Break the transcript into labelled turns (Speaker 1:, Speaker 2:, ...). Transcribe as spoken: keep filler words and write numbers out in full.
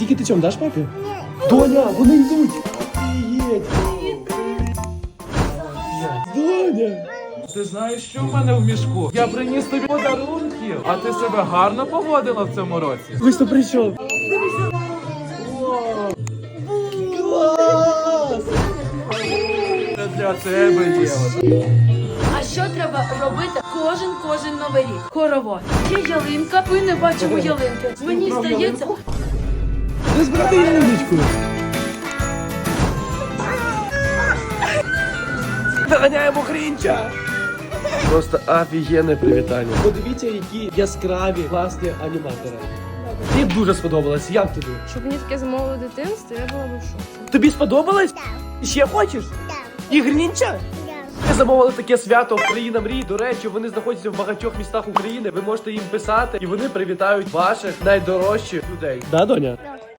Speaker 1: Тільки ти чому даш папі? Доня, вони йдуть! Офігеть! Доня!
Speaker 2: Ти знаєш, що в мене в мішку? Я приніс тобі подарунків, а ти себе гарно поводила в цьому році.
Speaker 1: Ви що прийшов? Клас!
Speaker 2: Це для тебе є.
Speaker 3: А що треба робити кожен кожен новий рік? Хоровод. Є ялинка, ми не бачимо ялинки. Мені здається,
Speaker 1: Не збирати ялиночку! Доганяємо Грінча! Просто офігенне привітання. Подивіться, які яскраві, класні аніматори. Мені дуже сподобалось. Як тобі?
Speaker 4: Щоб мені таке замовило дитинство, я була б в шоці.
Speaker 1: Тобі сподобалось? Ще хочеш?
Speaker 5: Так.
Speaker 1: І Грінча?
Speaker 5: Да.
Speaker 1: Ми замовили таке свято «Країна мрій». До речі, вони знаходяться в багатьох містах України. Ви можете їм писати, і вони привітають ваших найдорожчих людей. Да, доня?
Speaker 5: Да.